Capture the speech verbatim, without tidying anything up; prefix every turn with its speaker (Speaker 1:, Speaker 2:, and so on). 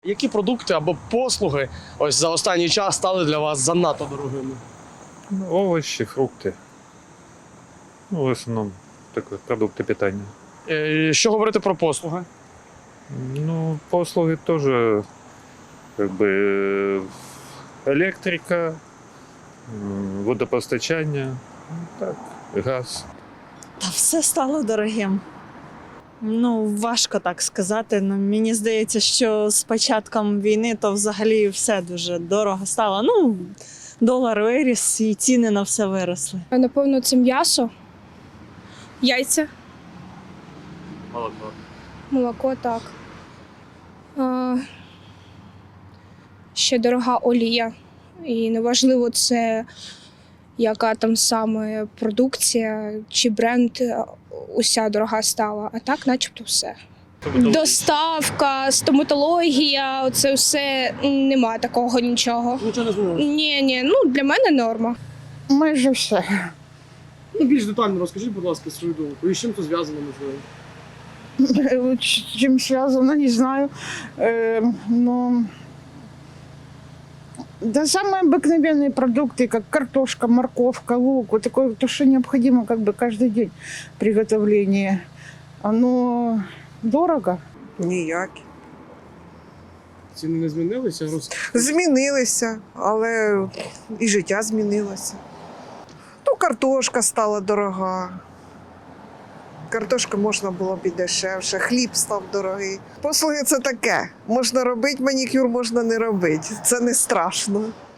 Speaker 1: Які продукти або послуги ось за останній час стали для вас занадто дорогими?
Speaker 2: Ну, овощи, фрукты. Ну, в основном такие продукты питания.
Speaker 1: Е, Що говорити про послуги?
Speaker 2: Ну, послуги тоже, как бы, э, электрика, м, водопостачання, ну, так, газ.
Speaker 3: Та все стало дорогим. Ну, важко так сказати. Ну, мені здається, що з початком війни то взагалі все дуже дорого стало. Ну, долар виріс і ціни на все виросли.
Speaker 4: Напевно, це м'ясо, яйця,
Speaker 1: Молоко.
Speaker 4: молоко, так. А, ще дорога олія. І неважливо, це яка там саме продукція чи бренд, уся дорога стала. А так, начебто, все. Доставка, стоматологія, оце все, нема такого нічого.
Speaker 1: Нічого не змінилося?
Speaker 4: Ні, ні, ну для мене норма.
Speaker 5: Майже все.
Speaker 1: Ну, більш детально розкажіть, будь ласка, свою думку. І з чим це зв'язано, можливо?
Speaker 5: С чем связано, не знаю. Э, но... Да самые обыкновенные продукты, как картошка, морковка, лук, вот такое, то, что необходимо как бы каждый день приготовления. Оно дорого.
Speaker 6: Ніякі.
Speaker 1: Ціни не змінилися? Роз...
Speaker 6: Змінилися, але і життя змінилося. Ну, картошка стала дорога. Картошка можна було б і дешевше, хліб став дорогий. Послуги – це таке. Можна робити манікюр, можна не робити. Це не страшно.